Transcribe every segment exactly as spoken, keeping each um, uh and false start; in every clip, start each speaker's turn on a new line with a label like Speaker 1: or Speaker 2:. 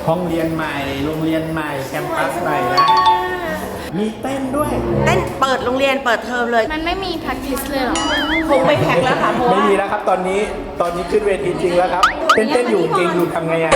Speaker 1: ห้องเรียนใหม่โรงเรียนใหม่แคมปัสใหม่แล้วมีเต้นด้วย
Speaker 2: เต้นเปิดโรงเรียนเปิดเทอมเลย
Speaker 3: มันไม่มี practice เลยเหรอ
Speaker 2: คงไม่แพ็คแล้วค่ะเพราะ
Speaker 1: ไม่มีแล้วครับตอนนี้ตอนนี้ขึ้นเวทีจริงแล้วครับเต้นเต้นอยู่เก่งอยู่ทำไงอ่ะ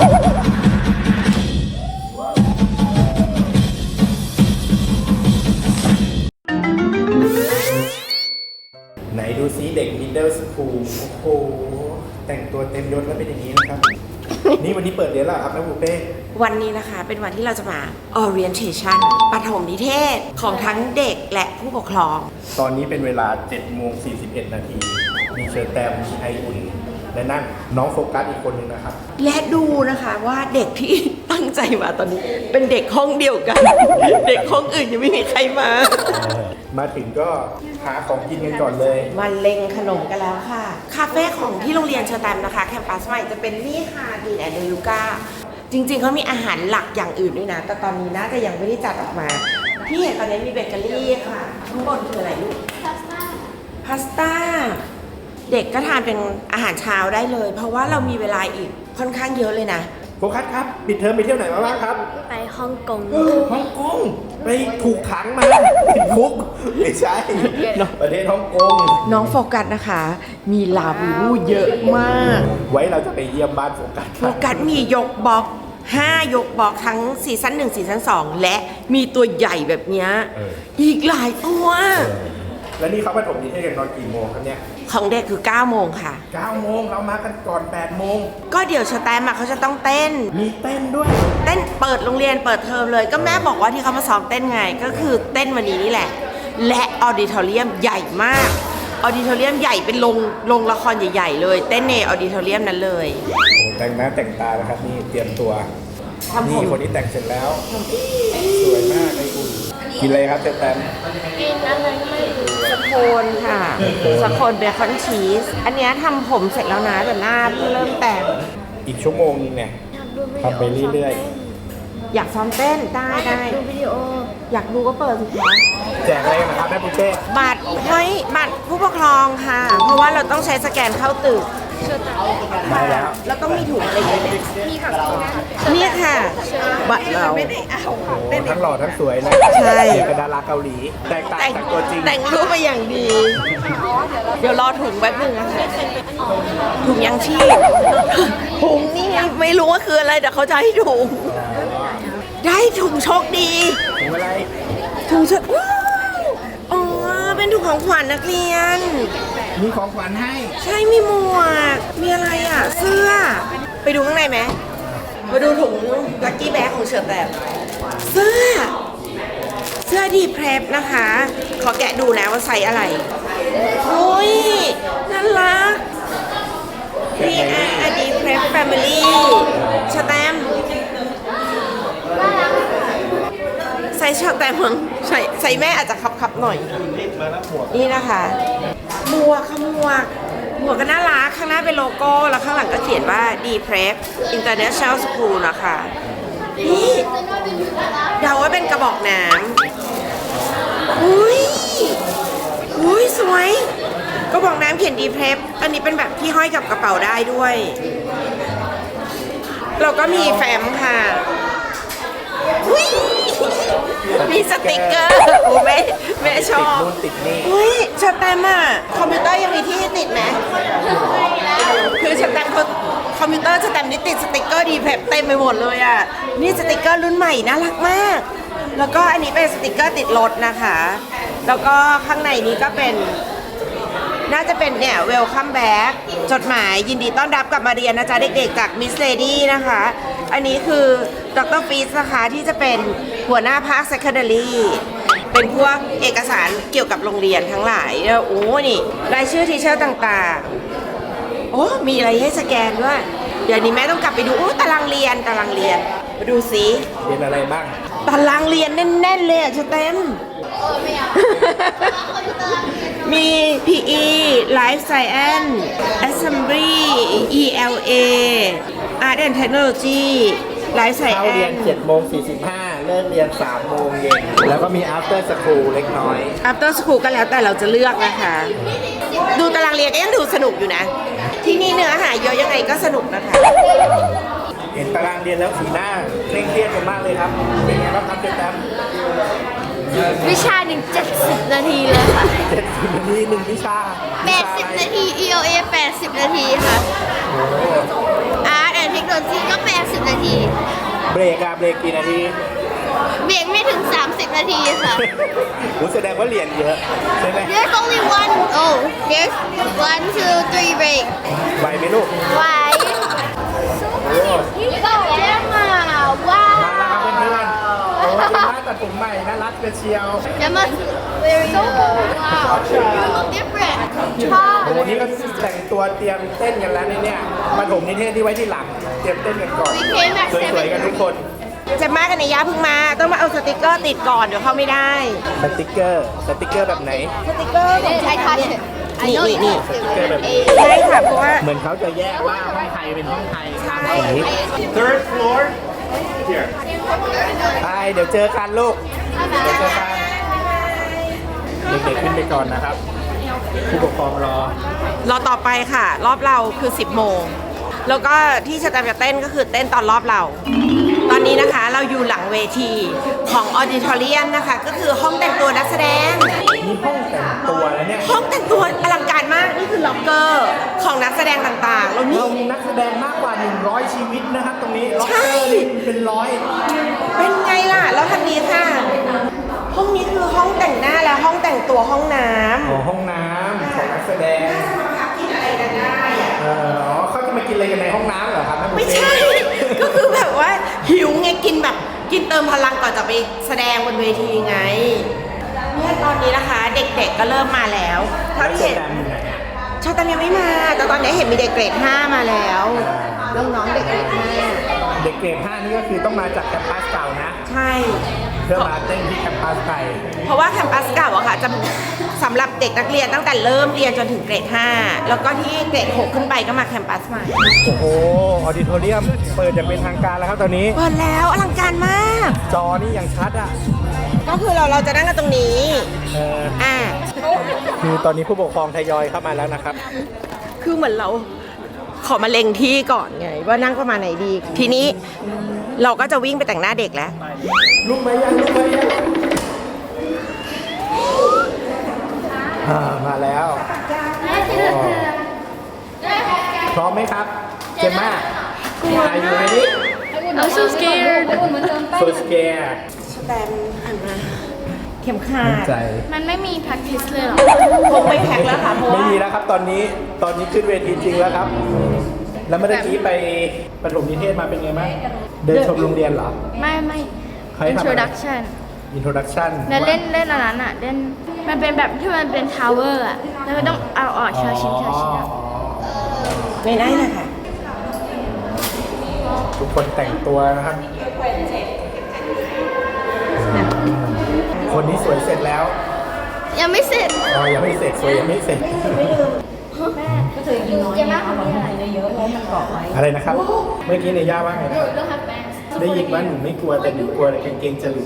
Speaker 1: ไหนดูซิเด็ก middle school โอ้โหแต่งตัวเต็มยศแล้วเป็นอย่างนี้นะครับ นี่วันนี้เปิดเรียนแล้วครับแม่ปูเป้
Speaker 2: วันนี้นะคะเป็นวันที่เราจะมา orientation ปฐมนิเทศของทั้งเด็กและผู้ปกครอง
Speaker 1: ตอนนี้เป็นเวลา เจ็ดโมงสี่สิบเอ็ด นาทีมีเชอร์แตมมีไออุ่นและนั่นน้องโฟกัสอีกคนนึงนะครับ
Speaker 2: และดูนะคะว่าเด็กที่ตั้งใจมาตอนนี้เป็นเด็กห้องเดียวกัน เด็กห้องอื่นยังไม่มีใครมา
Speaker 1: มาถึงก็หาของกินกันก่อนเลย
Speaker 2: มาเล็งขนมกันแล้วค่ะคาเฟ่ของที่โรงเรียนเชอร์แตมนะคะแคมปัสใหม่จะเป็นนี่ค่ะดีแอนด์เดลูก้าจริงๆเขามีอาหารหลักอย่างอื่นด้วยนะแต่ตอนนี้น่าจะยังไม่ได้จัดออกมาที่เห็นตอนนี้มีเบเกอรี่ค่ะข้างบนคืออะไรลูกพาสต้าพาสต้าเด็กก็ทานเป็นอาหารเช้าได้เลยเพราะว่าเรามีเวลาอีกค่อนข้างเยอะเลยนะ
Speaker 1: โฟกัสครับปิดเทอมไปเที่ยวไหนมาบ้างครับ
Speaker 3: ไปฮ่องกง
Speaker 1: ฮ่องกงไปถูกขังมาติดคุกไม่ใช่ประเทศฮ่องกง
Speaker 2: น้องโฟกัสนะคะมีลาบูบูเยอะมาก
Speaker 1: ไว้เราจะไปเยี่ยมบ้านโฟกัส
Speaker 2: โฟกัสมียกบล็อกห้ายกบล็อกทั้งซีซั่นหนึ่งซีซั่นสองและมีตัวใหญ่แบบนี้อีกหลายตัว
Speaker 1: แล้วนี่เขาปฐมนิเทศกันตอนกี่โมงครับเนี่ย
Speaker 2: ของเด็กคือเก้าโมงค่ะ
Speaker 1: เก้าโมงเรามากันก่อนแปดโมง
Speaker 2: ก็เดี๋ยวเชอร์แตมเขาจะต้องเต้น
Speaker 1: มีเต้นด้วย
Speaker 2: เต้นเปิดโรงเรียนเปิดเทอมเลยก็แม่บอกว่าที่เขามาซ้อมเต้นไงก็คือเต้นวันนี้นี่แหละและออดิทอเรียมใหญ่มากออดิทอเรียมใหญ่เป็นโรงโรงละครใหญ่ๆเลยเต้นในออดิทอเรียมนั้นเลย
Speaker 1: โอ้แต่งหน้าแต่งตานะครับนี่เตรียมตัวนี่คนที่แต่งเสร็จแล้วสวยมากไออุ่นกินอะไรครับเชอร์แตม
Speaker 3: กินอะไรไม่รู้
Speaker 2: สโคนค่ะสโคนเบคอนชีสอันนี้ทำผมเสร็จแล้วนะแต่หน้าเพิ่งเริ่มแต่ง
Speaker 1: อีกชั่วโมงนึงเนี่ยทำไปเรื่อย
Speaker 2: ๆอยากซ้อมเต้นได้ได้
Speaker 3: ดูวิดีโอ
Speaker 2: อยากดูก็เปิดสิคะ
Speaker 1: แจกอะไรนะครับแม่ปุ้เป้
Speaker 2: บัตรเฮ้ยบัตรผู้ปกครองค่ะเพราะว่าเราต้องใช้สแกนเข้าตึก
Speaker 1: มาแล้ว
Speaker 2: แล้วต้องมีถุงอะไรอย่างเงี้ย
Speaker 3: มีค่ะ
Speaker 2: นี่ค่ะบัตรเราไม่ได้เอา
Speaker 1: ทั้งหล่อทั้งสวยนะ
Speaker 2: ใช่
Speaker 1: เป็นดาราเกาหลีแตกต่างจากตัวจริง
Speaker 2: แต่งรูปไปอย่างดีเดี๋ยวรอถุงแป๊บนึงนะคะถุงยังชีพถุงนี่ไม่รู้ว่าคืออะไรแต่เขาจะให้ถุงได้ถุงโชคดี
Speaker 1: ถุงอะไร
Speaker 2: ถุงโชคอ๋อเป็นถุงของขวัญนักเรียน
Speaker 1: มีของขวัญให้
Speaker 2: ใช่มีหมวกมีอะไรอ่ะเสื้อไปดูข้างในไหมมาดูถุงลัคกี้แบ็คของเชอร์แตมเสื้อเสื้อดีเพรพนะคะขอแกะดูนะว่าไซส์อะไรโอ้ยน่ารักนี่อ่ะดีเพรพแฟมิลี่เชอร์แตมใส่เชอร์แตมมั้งใส่ใส่แม่อาจจะคับๆหน่อยนี่นะคะหมวกค่ะหมวกหมวกก็น่ารักข้างหน้าเป็นโลโก้แล้วข้างหลังก็เขียนว่า ดี เพรพ International School นะคะนี่เดาว่าเป็นกระบอกน้ำอุ้ยอุ้ยสวยกระบอกน้ำเขียน ดี เพรพ อันนี้เป็นแบบที่ห้อยกับกระเป๋าได้ด้วยเราก็มีแฟ้มค่ะมีสติกเกอร์โอ้แม่แม่ชอบอุ้ยเชอร์แตมอ่ะคอมพิวเตอร์ยังมีที่ติดไหมคือเชอร์แตมคอมพิวเตอร์เชอร์แตมนี่ติดสติกเกอร์ดีเพรพเต็มไปหมดเลยอ่ะนี่สติกเกอร์รุ่นใหม่น่ารักมากแล้วก็อันนี้เป็นสติกเกอร์ติดรถนะคะแล้วก็ข้างในนี้ก็เป็นน่าจะเป็นเนี่ย welcome back จดหมายยินดีต้อนรับกลับมาเรียนนะจ๊ะเด็กๆจากมิสเลดี้นะคะอันนี้คือดร.ฟีสนะคะที่จะเป็นหัวหน้าภาค secondary เป็นพวกเอกสารเกี่ยวกับโรงเรียนทั้งหลายแล้วโอ้นี่รายชื่อทีเชอร์ต่างๆโอ้มีอะไรให้สแกนด้วยเดี๋ยวนี้แม่ต้องกลับไปดูโอ้ตารางเรียนตารางเรียนมาดูสิ
Speaker 1: เรียนอะไรบ้าง
Speaker 2: ตารางเรียนแน่นๆเลยอ่ะเชอร์แตมมี พี อี Life Science Assembly อี แอล เอ Art and Technology Life Science
Speaker 1: เข้าเรียน เจ็ดโมงสี่สิบห้า เลิกเรียน สามโมงเย็นแล้วก็มี after school เล็กน้อย
Speaker 2: after school ก็แล้วแต่เราจะเลือกนะคะดูตารางเรียนก็ยังดูสนุกอยู่นะที่นี่เนื้อหาเยอะยังไงก็สนุกนะคะ
Speaker 1: เห็นตารางเรียนแล้วสีหน้าเคร่งเครียดกันมากเลยครับ เป็นไงบ้างครับเจแตม
Speaker 3: วิชาหนึ่งเจ็ดสิบนาทีเลยค่ะ
Speaker 1: เจ็ดสิบนาทีหนึ่งวิชา
Speaker 3: แปดสิบนาที อี โอ เอ แปดสิบนาทีค่ะ อาร์ตแอนด์เทคโนโลยีก็แปดสิบนาที
Speaker 1: เบรกอะเบรกกี่นาที
Speaker 3: เบรกไม่ถึงสามสิบนาทีค่ะ
Speaker 1: รู้แสดงว่าเรียนเยอะใช่ไหม
Speaker 3: There's only one oh there's one two three break
Speaker 1: ไหวไหมลูก
Speaker 3: Why
Speaker 1: โอ้
Speaker 3: ก็แย่มาว้า
Speaker 1: มาแล้วครับเพื่อนๆโอ้เจม่าตัดผมใหม่น่ารักเชียว
Speaker 3: แย่มา very so wow you look different ชอบ
Speaker 1: โอ้นี่ก็แต่งตัวเตรียมเต้นกันแล้วเนี่ยมาถมนิเทศที่ไว้ที่หลัง เตรียมเต้นกันก่อน
Speaker 3: We came at
Speaker 1: สวยๆกันทุกคน
Speaker 2: เจมมากับนายยาเพิ่งมา ต้องมาเอาสติกเกอร์ติดก่อน เดี๋ยวเข้าไม่ได้
Speaker 1: สติกเกอร์ สติกเกอร์แบบไหน
Speaker 2: สติกเกอร์ของ
Speaker 3: I touch it I know you
Speaker 2: นี่
Speaker 3: touched it
Speaker 1: สติกเกอร์แบบนี้
Speaker 2: ใช่ค่ะ เพราะว่า
Speaker 1: เหมือนเขาจะแยกว่าห้องไทยเป็นห้องไทย
Speaker 2: ใช่
Speaker 1: third floor here ไปเดี๋ยวเจอกันลูก เดี๋ยวเจอกัน เด็กๆขึ้นไปก่อนนะครับ ผู้ปกครองรอ
Speaker 2: รอต่อไปค่ะ รอบเราคือ สิบโมง แล้วก็ที่ชะแตมจะเต้นก็คือเต้นตอนรอบเรา ตอนนี้นะคะเราอยู่หลังเวทีของออดิทอเรียมนะคะ ก็คือห้องแต่งตัวนักแสดง
Speaker 1: นี่ห้องแต่งตัวแล้วเนี่ย
Speaker 2: ห้องแต่งตัวอลังการมาก นี่คือล็อกเกอร์ของนักแสดงต่างๆ แล้วนี่
Speaker 1: เรามีนักแสดงมากกว่า หนึ่งร้อย ชีวิตนะครับ ตรงนี้ล็อกเกอร์นี่เป็นร้อย
Speaker 2: เป็นไงล่ะ แล้วทางนี้ค่ะ ห้องนี้คือห้องแต่งหน้าและห้องแต่งตัวห้องน้ำ
Speaker 1: อ๋อห้องน้ำของนักแสดงเอออ๋อเขาจะมากินอะไรกันในห้องน้ำเหรอครับท่านผู้
Speaker 2: ไม่
Speaker 1: ช
Speaker 2: ใช่ ก็คือแบบว่าหิวไงกินแบบกินเติมพลังก่อนจะไปแสดงบนเวทีไงเนี่ยตอนนี้นะคะ เด็กๆก็เริ่มมาแล้วถ้า
Speaker 1: แล้ว
Speaker 2: เห็น
Speaker 1: แสดงอยู่ไหนอะ
Speaker 2: ชาตันยังไม่มา แต่ตอนนี้เห็นมีเด็กเกรดห้ามาแล้วน้องๆเด็กเกรดห้า
Speaker 1: เด็กเกรดห้านี่ก็คือต้องมาจากแคมปัสเก่านะ
Speaker 2: ใช่
Speaker 1: เพื่อมาเต้นที่แคมปัสใหม่
Speaker 2: เพราะว่าแคมปัสเก่าอะค่ะจะสำหรับเด็กนักเรียนตั้งแต่เริ่มเรียนจนถึงเกรดห้าแล้วก็ที่เกรดหกขึ้นไปก็มาแคมปัสใหม่
Speaker 1: โอ้โห ออดิโทเรียมเปิดอย่างเป็นทางการแล้วครับตอนนี้
Speaker 2: เปิดแล้วอลังการมาก
Speaker 1: จอนี่ยังชัดอ่ะ
Speaker 2: ก็คือเราเราจะนั่งกันตรงนี้
Speaker 1: เออ
Speaker 2: อ่า
Speaker 1: คือตอนนี้ผู้ปกครองทยอยเข้ามาแล้วนะครับ
Speaker 2: คือเหมือนเราขอมาเล็งที่ก่อนไง ว่านั่งประมาณไหนดี ทีนี้เราก็จะวิ่งไปแต่งหน้าเด็กแล้ว
Speaker 1: ลุกไหมยังลุกไหมยังอ่ามาแล้วอ๋อพร้อมไหมครับ เจมม่าอายุไหนดิ
Speaker 3: I'm so scared
Speaker 1: so scared
Speaker 2: แตมหันมาเข็มขัด
Speaker 1: ใจ
Speaker 3: มันไม่มี practice เลยเหรอ
Speaker 2: คงไม่แพ็คแล้วค่ะเพราะ
Speaker 1: ไม่
Speaker 2: ว่า
Speaker 1: มีแล้วครับตอนนี้ตอนนี้ขึ้นเวทีจริงแล้วครับ แล้วเมื่อกี้ไปประถมนิเทศมาเป็นไงบ้างเดินชมโรงเรียนเหรอ
Speaker 3: ไม่ไม่
Speaker 1: ใครทำอะไร
Speaker 3: introduction
Speaker 1: introduction
Speaker 3: แล้วเล่นเล่นอันนั้นอ่ะเล่นมันเป็นแบบที่มันเป็น tower อ่ะ แล้วก็ต้องเอาออกเชอชิ้นเชอชิ้นอะ
Speaker 2: ไม่ได้เลยค่ะ
Speaker 1: ทุกคนแต่งตัวนะครับ คนนี้สวยเสร็จแล้ว
Speaker 3: ยังไม่เสร็จ
Speaker 1: อ๋อยังไม่เสร็จสวยยังไม่เสร็จ
Speaker 3: เจม่าของนี่อะไร
Speaker 1: อะไรนะครับ เมื่อกี้ในย่าว่าไงนะได้ยินว่าหนูไม่กลัวแต่หนูกลัวกางเกงจะหลุด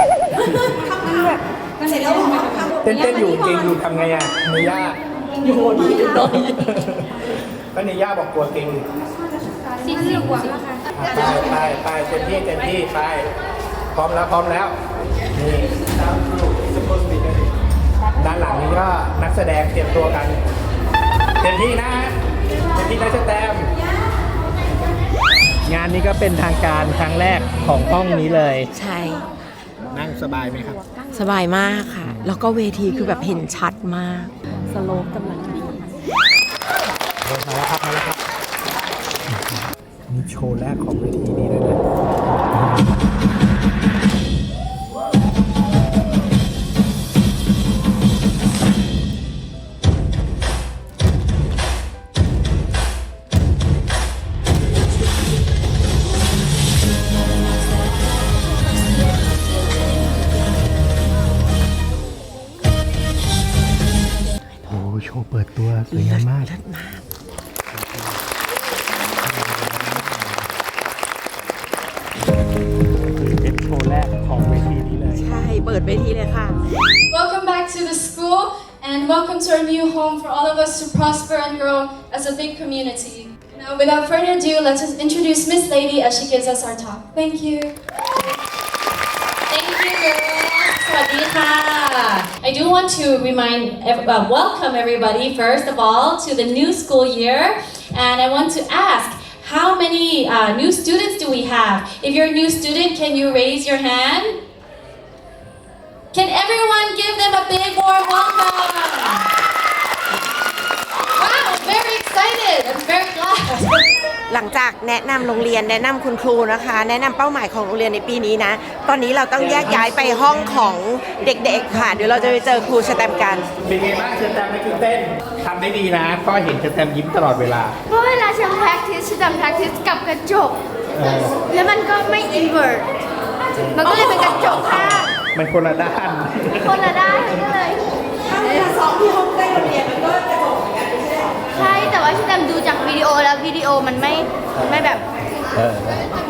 Speaker 1: เต้นเต้นๆอยู่กางเกงหลุดทำไงอ่ะในย่าอยู่ดีน้อยก็ในย่าบอกกลัวกางเกงหลุด
Speaker 3: สีเหลืองอะค่ะ
Speaker 1: ไปไปไปเต็มที่เต็มที่ไปพร้อมแล้วพร้อมแล้วนี่ด้านหลังนี้ก็นักแสดงเตรียมตัวกันเต็มที่นะเต็มที่นะสแตมป์งานนี้ก็เป็นทางการครั้งแรกของห้องนี้เลย
Speaker 2: ใช่
Speaker 1: นั่งสบายไหมครับ
Speaker 2: สบายมากค่ะ แล้วก็เวทีคือแบบเห็นชัดมาก สโลปกำลังดี
Speaker 1: มาแล้วครับมาแล้วครับนี่โชว์แรกของเวทีนี้เลยนะโอ้โชว์เปิดตัวสวยงามมาก เป็นโชว์แรกของเวทีนี้เลย
Speaker 2: ใช่ เปิดเวทีเลยค่ะ
Speaker 4: Welcome back to the school and welcome to our new home for all of us to prosper and grow as a big community. Now Now, without further ado, let's just introduce Miss Lady as she gives us our talk. Thank you.
Speaker 5: Thank you, girls. สวัสดีค่ะ I do want to remind, ev- uh, welcome everybody first of all to the new school year, and I want to ask, how many uh, new students do we have? If you're a new student, can you raise your hand? Can everyone give them a big warm welcome? Wow, I'm very excited. I'm very glad.
Speaker 2: หลังจากแนะนำโรงเรียนแนะนำคุณครูนะคะ แนะนำเป้าหมายของโรงเรียนในปีนี้นะ ตอนนี้เราต้องแยกย้ายไปห้องของเด็กๆค่ะ เดี๋ยวเราจะไปเจอครูสแตมป์กัน
Speaker 1: เป็นไงบ้างเชอร์แตมไม่คิดเต้นทำได้ดีนะก็เห็นเชอร์แตมยิ้มตลอดเวลา
Speaker 3: เพราะเวลาฉัน practice ฉันทำ practice กับกระจก
Speaker 1: เออ
Speaker 3: แล้วมันก็ไม่ invert มันก็เลยเป็นกระจกข้าง
Speaker 1: มันคนละด้าน
Speaker 3: คนละด้านก็เลย
Speaker 2: ถ้าเวลาซ้อมที่ห้องใกล้โรงเรียนมันก็จะบอกเหมือนกันไม่ใช่หรอ
Speaker 3: ใช่ แต่ว่าฉันจำดูจากวิดีโอแล้ววิดีโอมันไม่มันไม่แบบ
Speaker 1: เออ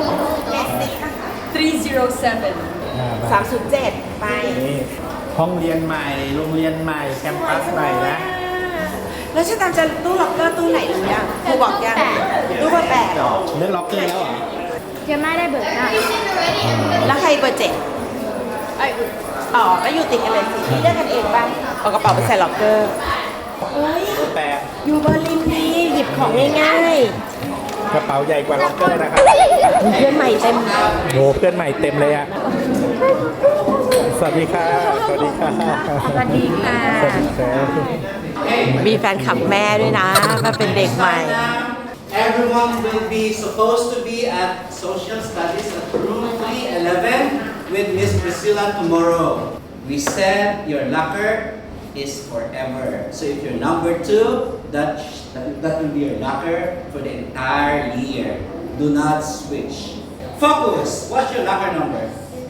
Speaker 2: สามศูนย์เจ็ดไป
Speaker 1: นี่ห้องเรียนใหม่โรงเรียนใหม่แคมปัสใหม่นะ
Speaker 2: แล้วฉันตามจะตู้ล็อกเกอร์ตู้ไหนหรือยังครูบอกยังตู้เบอร์แปดเหรอ
Speaker 1: เรื่องล็อกเกอร์แล้วเหรอ
Speaker 3: จะไม่ได้เบิกหน้า
Speaker 2: แล้วใครเบอร์เจ็ดอ๋อก็อยู่ติดกันเลยสิเลือกกันเองบ้างเอากระเป๋าไปใส่ล็อกเกอร์เฮ้ย
Speaker 1: แปด
Speaker 2: อยู่เบอร์ลินดีหยิบของง่าย
Speaker 1: กระเป๋าใหญ่กว่าล็อกเกอร์นะครับ
Speaker 2: ๆมีเพื่อนใหม่เต็ม
Speaker 1: โหเพื่อนใหม่เต็มเลยอะสวัสดีค่ะ สวัสดีค่ะ
Speaker 2: สวัสดีค่ะ
Speaker 1: สวัสดีครับ
Speaker 2: มีแฟนคลับแม่ด้วยนะมาเป็นเด็กใหม่
Speaker 6: Everyone will be supposed to be at Social Studies at room three eleven with Miss Priscilla tomorrow. We said your locker is forever. So if you're number two, that, that, that will be your locker for the entire year. Do not switch. Focus. What's your locker number?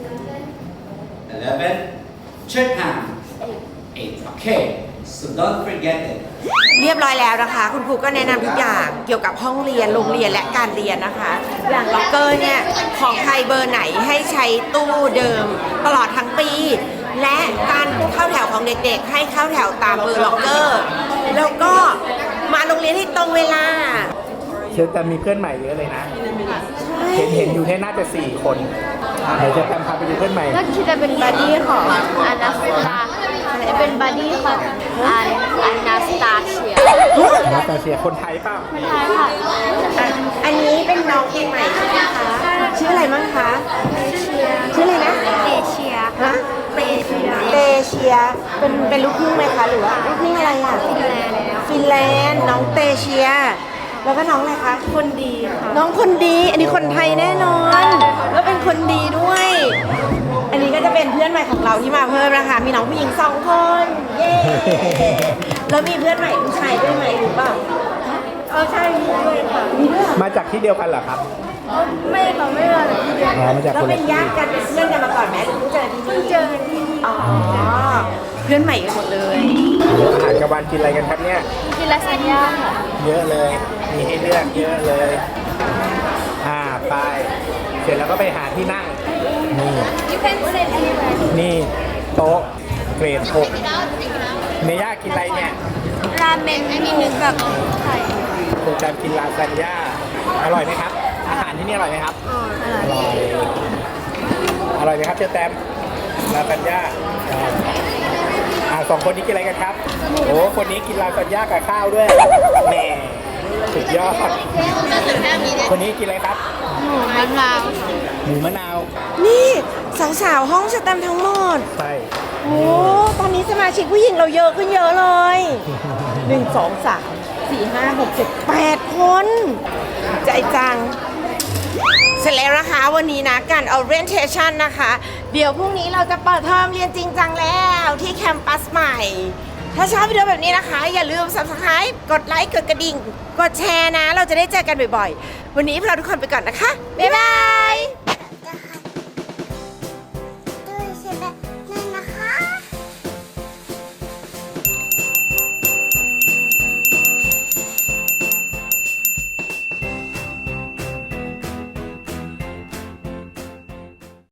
Speaker 6: eleven. Third hand. eight. Okay. So don't forget it.
Speaker 2: เรียบร้อยแล้วนะคะ คุณครูก็แนะนำทุกอย่างเกี่ยวกับห้องเรียนโรงเรียนและการเรียนนะคะ อย่างล็อกเกอร์เนี่ยของใครเบอร์ไหนให้ใช้ตู้เดิมตลอดทั้งปี และการเข้าแถวของเด็กๆ ให้เข้าแถวตามเบอร์ล็อกเกอร์แล้วก็มาโรงเรียนให้ตรงเวลา
Speaker 1: เชอร์แตมมีเพื่อนใหม่เยอะเลยนะ เห็นเห็นอยู่เนี่ยน่าจะสี่คนเดี๋ยวเชอร์แตมพาไปดูเพื่อนใหม่
Speaker 3: ก็คิดจะเป็นบัดดี้ของอานาสตาจะเป็นบัดดี้ของอาอานาสตาเชีย
Speaker 1: นาตาเชียคนไทยเปล่า
Speaker 3: คนไทยค่ะ
Speaker 2: อ่ะอันนี้เป็นน้องเองใหม่ใช่ไหมคะชื่ออะไรมั้งคะ
Speaker 3: เชีย
Speaker 2: ชื่ออะไรนะ
Speaker 3: เอเชีย
Speaker 2: ฮะ
Speaker 3: เอเชีย
Speaker 2: เตเชียเป็นเป็นลูกครึ่งไหมคะหรือว่าลูกครึ่งอะไรอ่ะ
Speaker 3: ฟินแลนด์แล้ว
Speaker 2: ฟินแลนด์น้องเตเชีย แล้วก็น้องอะไรคะ
Speaker 3: คนดีค่ะ
Speaker 2: น้องคนดี อันนี้คนไทยแน่นอน แล้วเป็นคนดีด้วย อันนี้ก็จะเป็นเพื่อนใหม่ของเราที่มาเพิ่มนะคะ มีน้องผู้หญิงสองคน เย้ แล้วมีเพื่อนใหม่ผู้ชายด้วยไหมหรือเปล่า
Speaker 3: เออใช่มีด้วยค่ะ
Speaker 2: มีด้วยเหรอ
Speaker 1: มาจากที่เดียวกันเหรอครับ
Speaker 3: ไม่ค่ะไม่มาจากที่เดียว
Speaker 1: อ๋อมาจาก
Speaker 2: แล้ว
Speaker 1: คนละ
Speaker 2: เป็น
Speaker 1: ที่
Speaker 2: ญาติกันเป็นเพื่อนกันมาก่อนไหมหรือเพิ่งเจอที่นี่
Speaker 3: เจอกันที่นี่
Speaker 2: อ๋อ เพื่อนใหม่กันหมดเลย
Speaker 1: อาหารกลางวันกินอะไรกันครับเนี่ย
Speaker 3: กินลาซานญ่าค่ะ
Speaker 1: เยอะเลย มีให้เลือกเยอะเลย อ่า ไป เสร็จแล้วก็ไปหาที่นั่ง นี่
Speaker 3: You can sit anywhere
Speaker 1: นี่โต๊ะเกรดหกเนย่ากินอะไรเนี่ย
Speaker 3: ราเมนมีหนึ่งกับไข่
Speaker 1: โปรแกรมกินลาซานญ่า อร่อยไหมครับ อาหารที่นี่อร่อยไหมครับ
Speaker 3: อ๋ออร่อย
Speaker 1: อร่อย อร่อยไหมครับเจอแตมลาซานญ่าอ่าอ่าสองคนนี้กินอะไรกันครับ โอ้ คนนี้กินลาซานญ่ากับข้าวด้วยแหม่สุดยอด คนนี้กินอะไรครับ
Speaker 3: หมูมะนาว
Speaker 1: หมูมะนาว
Speaker 2: นี่สาวๆห้องสแตมป์ทั้งหมด
Speaker 1: ใช่
Speaker 2: โอ้ ตอนนี้สมาชิกผู้หญิงเราเยอะขึ้นเยอะเลย หนึ่ง สอง สาม สี่ ห้า หก เจ็ด แปดคน ใจจัง เสร็จแล้วนะคะวันนี้นะการ orientation นะคะ เดี๋ยวพรุ่งนี้เราจะเปิดเทอมเรียนจริงจังแล้วที่แคมปัสใหม่ ถ้าชอบวิดีโอแบบนี้นะคะ อย่าลืม subscribe กดไลค์ กดกระดิ่ง กดแชร์นะ เราจะได้เจอกันบ่อยๆ วันนี้พวกเราทุกคนไปก่อนนะคะ บ๊ายบาย